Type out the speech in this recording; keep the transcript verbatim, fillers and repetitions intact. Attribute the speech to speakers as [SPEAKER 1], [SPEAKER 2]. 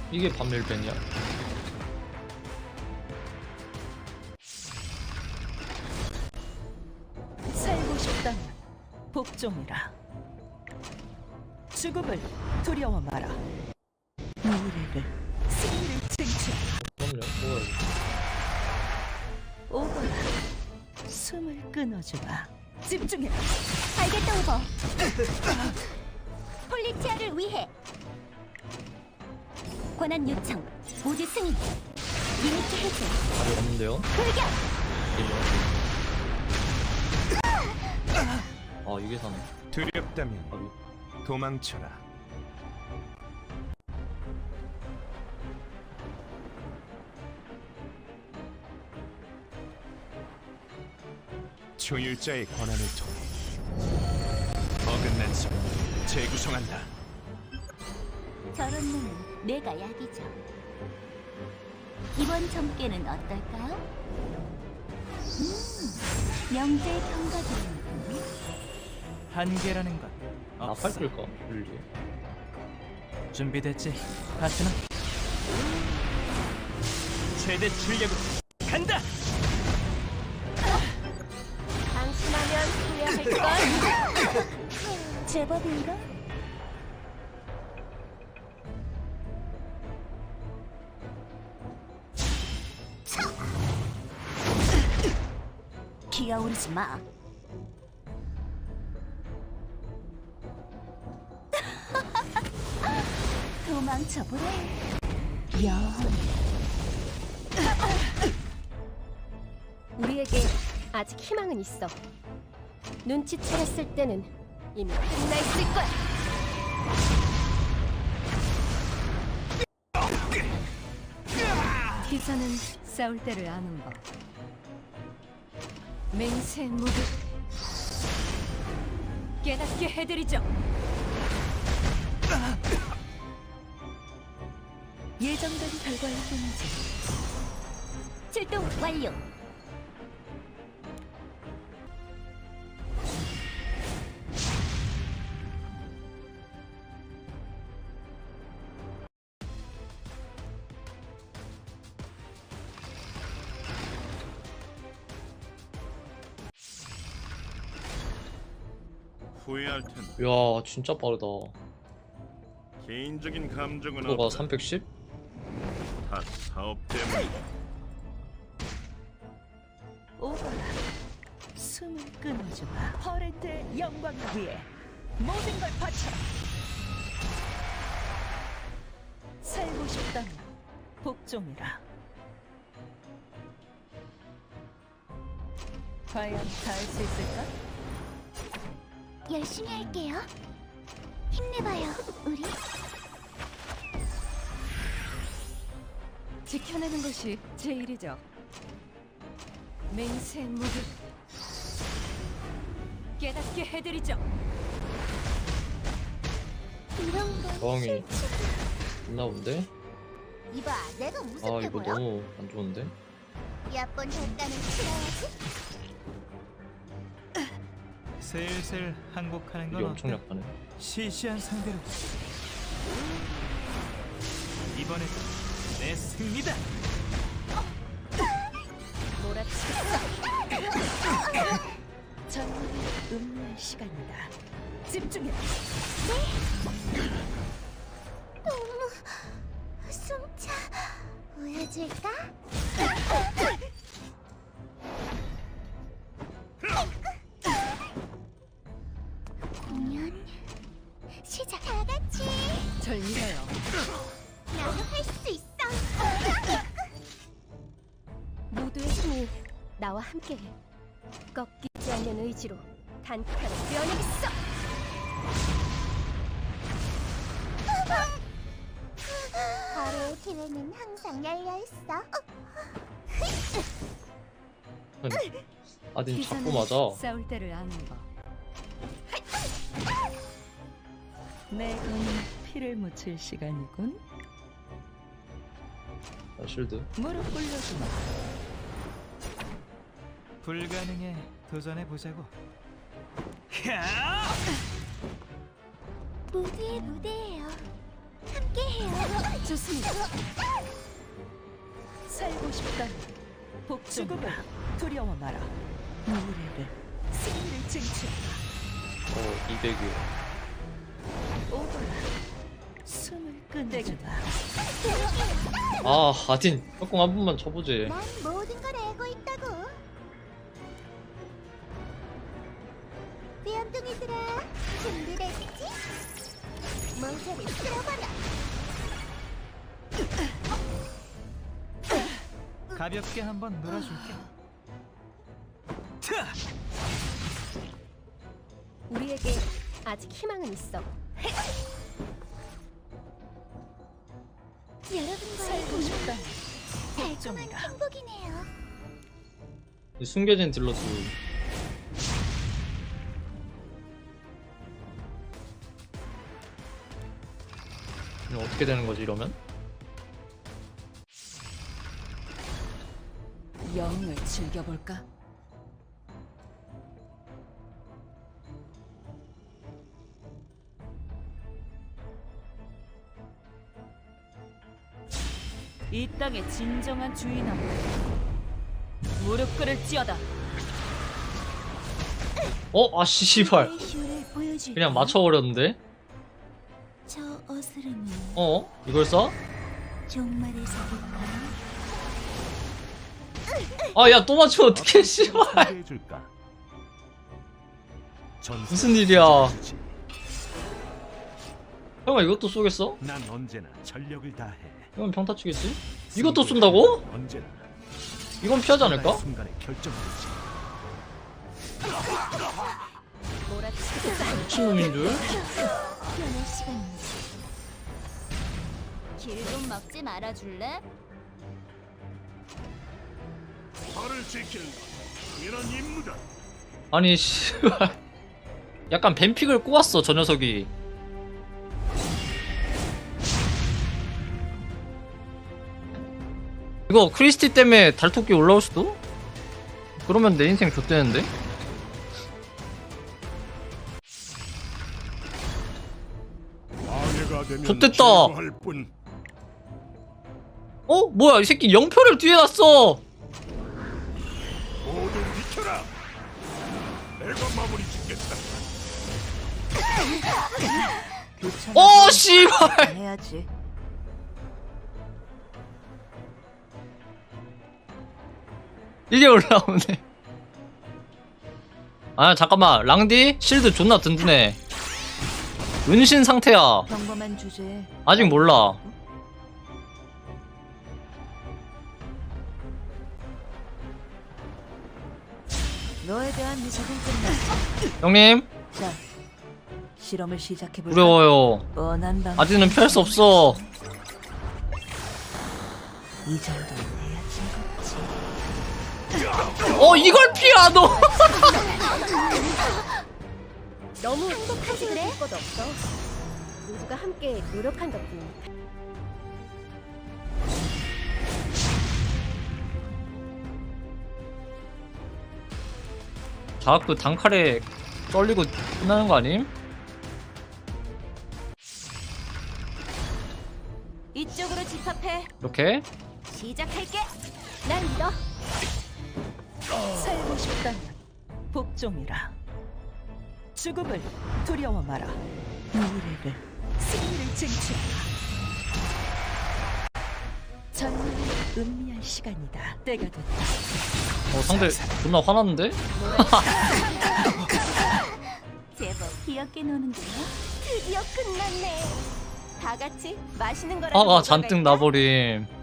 [SPEAKER 1] 이게 반밀벤이야?
[SPEAKER 2] 살고 싶다면 복종이라. 죽음을 두려워 마라. 미래를 승리를 쟁취하라.
[SPEAKER 1] 그럼요. 뭐야 이거.
[SPEAKER 2] 오거라. 숨을 끊어주마. 집중해.
[SPEAKER 3] 알겠다, 오버. 폴리티아를 위해 권한 요청 모두 승인. 리미트 해제.
[SPEAKER 1] 답이 없는데요?
[SPEAKER 3] 돌격.
[SPEAKER 1] 아 이게 사네.
[SPEAKER 4] 두렵다면
[SPEAKER 1] 답이.
[SPEAKER 4] 도망쳐라. 초율자의 권한을 통해 어긋난 성 재구성한다.
[SPEAKER 3] 저런 놈은 내가 약이죠. 이번 점괘는 어떨까요? 음, 명제의 평가드립니다.
[SPEAKER 5] 한계라는 건
[SPEAKER 1] 나팔
[SPEAKER 5] 없어.
[SPEAKER 1] 끌까? 릴리.
[SPEAKER 5] 준비됐지? 파트너? 최대 출력으로 간다!
[SPEAKER 3] 방심하면 후회할걸. 제법인가? 기어오르지 마. 도망쳐보래. 영.
[SPEAKER 6] 우리에게 아직 희망은 있어. 눈치채렸을 때는 이미 끝나 있을 거야.
[SPEAKER 2] 기사는 싸울 때를 아는 법. 맹세 무기 깨닫게 해드리죠. 예정된 결과일 뿐이지.
[SPEAKER 3] 출동 완료.
[SPEAKER 7] 후회할 텐데
[SPEAKER 1] 야 진짜 빠르다.
[SPEAKER 7] 개인적인 감정은
[SPEAKER 1] 이거가
[SPEAKER 7] 없다.
[SPEAKER 1] 삼백십?
[SPEAKER 7] 다 사업 때문이다.
[SPEAKER 2] 오거라. 숨을 끊어주마. 퍼렌트의 영광을 위해 모든 걸 바쳐라. 살고 싶다면 복종이라. 과연 다 할 수 있을까?
[SPEAKER 3] 열심히 할게요. 힘내봐요, 우리.
[SPEAKER 2] 지켜내는 것이 제 일이죠. 맹세 무기 깨닫게 해드리죠.
[SPEAKER 3] 이런 거
[SPEAKER 1] 저항이
[SPEAKER 3] 싫지.
[SPEAKER 1] 있나 본데?
[SPEAKER 3] 이봐, 내가
[SPEAKER 1] 아
[SPEAKER 3] 무섭게
[SPEAKER 1] 이거
[SPEAKER 3] 보여?
[SPEAKER 1] 너무 안 좋은데?
[SPEAKER 3] 야쁜 대가는 치러야지.
[SPEAKER 5] 슬슬 항복하는
[SPEAKER 1] 이게
[SPEAKER 5] 건
[SPEAKER 1] 엄청
[SPEAKER 5] 어때?
[SPEAKER 1] 약하네.
[SPEAKER 5] 시시한 상대로 이번에도 내 승리다!
[SPEAKER 2] 전문을 음미할 시간이다. 집중해.
[SPEAKER 3] 너무 숨차. 보여줄까? 공연 시작. 다 같이.
[SPEAKER 2] 절 믿어요.
[SPEAKER 3] 나도 할 수 있어.
[SPEAKER 6] 모두의 힘이 나와 함께해. 꺾이지 않는 의지로 단칼에 뛰어내겠어.
[SPEAKER 3] 바로의 기회는 항상 열려 있어.
[SPEAKER 1] 아니, 아니 자꾸
[SPEAKER 2] 기사는
[SPEAKER 1] 맞아.
[SPEAKER 2] 싸울 때를 아는 법. 내 몸에 피를 묻힐 시간이군.
[SPEAKER 1] 아, 실드.
[SPEAKER 2] 무릎 꿇려주마.
[SPEAKER 5] 불가능에 도전해보자고.
[SPEAKER 3] 무대의 무대예요. 함께 함께해요.
[SPEAKER 2] 좋습니다. 살고 싶다면 복죽음을 두려워 마라. 미래를 승리를 쟁취하라.
[SPEAKER 1] 어 이백이요.
[SPEAKER 2] 오거라. 숨을 끝내겠다.
[SPEAKER 1] 아 아딘 협공 한 번만 쳐보지.
[SPEAKER 3] 난 모든 걸 알고 있다고. 귀염둥이들아, 준비됐지? 멍청이 들어봐라.
[SPEAKER 5] 가볍게 한번 놀아줄게.
[SPEAKER 6] 우리에게 아직 희망은 있어.
[SPEAKER 3] 여러분과의
[SPEAKER 2] 살고 싶다.
[SPEAKER 3] 달콤한 행복이네요.
[SPEAKER 1] 이 숨겨진 딜러스. 이거 어떻게 되는 거지 이러면?
[SPEAKER 2] 영을 즐겨볼까? 이 땅의 진정한 주인하고 무릎 꿇을지어다.
[SPEAKER 1] 어? 아씨 씨발.
[SPEAKER 3] 내 쇼를 보여줄까?
[SPEAKER 1] 그냥 맞춰버렸는데?
[SPEAKER 3] 저 어스름이
[SPEAKER 1] 어? 이걸 써?
[SPEAKER 3] 종말에서 볼까?
[SPEAKER 1] 아 야 또 맞추면 어떡해 씨발.
[SPEAKER 4] 해줄까?
[SPEAKER 1] 무슨 일이야. 형아 이것도 쏘겠어?
[SPEAKER 4] 난 언제나 전력을 다해.
[SPEAKER 1] 이건 평타 치겠지? 이것도 쏜다고?
[SPEAKER 4] 언제나
[SPEAKER 1] 이건 피하지 않을까?
[SPEAKER 4] 순간에 결정되지.
[SPEAKER 6] 몰아치겠어.
[SPEAKER 1] 미친놈인 줄?
[SPEAKER 3] 변할 시간입니다. 길 좀 막지 말아줄래?
[SPEAKER 7] 나를 지키는 건 당연한 임무다.
[SPEAKER 1] 아니 씨발. 약간 뱀픽을 꼬았어 저 녀석이. 이거 크리스티 때문에 달토끼 올라올 수도? 그러면 내 인생 좆되는데?
[SPEAKER 7] 방해가 되면
[SPEAKER 1] 좋댔다.
[SPEAKER 7] 제거할 뿐.
[SPEAKER 1] 어? 뭐야 이 새끼 영표를 뒤에 놨어.
[SPEAKER 7] 모두 비켜라. 내가 마무리 짓겠다.
[SPEAKER 1] 어 씨발.
[SPEAKER 2] 해야지.
[SPEAKER 1] 이게 올라오네. 아 잠깐만 랑디 실드 존나 든든해. 은신 상태야.
[SPEAKER 2] 평범한 주제에
[SPEAKER 1] 아직 몰라.
[SPEAKER 2] 너에 대한 미적은 끝났어.
[SPEAKER 1] 형님
[SPEAKER 2] 자, 실험을 시작해볼까?
[SPEAKER 1] 두려워요.
[SPEAKER 2] 뻔한 방.
[SPEAKER 1] 아직은 피할 수 없어.
[SPEAKER 2] 이 정도는 해야 즐겁지.
[SPEAKER 1] 어 이걸 피하 너.
[SPEAKER 6] 너무 행복하지 그래? 것도 없어. 모두가 함께 노력한 덕분이니까.
[SPEAKER 1] 자꾸 단칼에 떨리고 끝나는 거 아님?
[SPEAKER 3] 이쪽으로 집합해.
[SPEAKER 1] 이렇게?
[SPEAKER 3] 시작할게.
[SPEAKER 6] 난 믿어.
[SPEAKER 2] 살고 싶다면 복종이라. 죽음을 두려워 마라. 미래를 승리를 쟁취하라. 전문을 음미할 시간이다. 때가 됐다.
[SPEAKER 1] 어 상대 존나 화났는데?
[SPEAKER 3] 제법 귀엽게 노는데요. 드디어 끝났네. 다 같이 맛있는 거라도
[SPEAKER 1] 화가
[SPEAKER 3] 먹어갈까?
[SPEAKER 1] 잔뜩 나버림.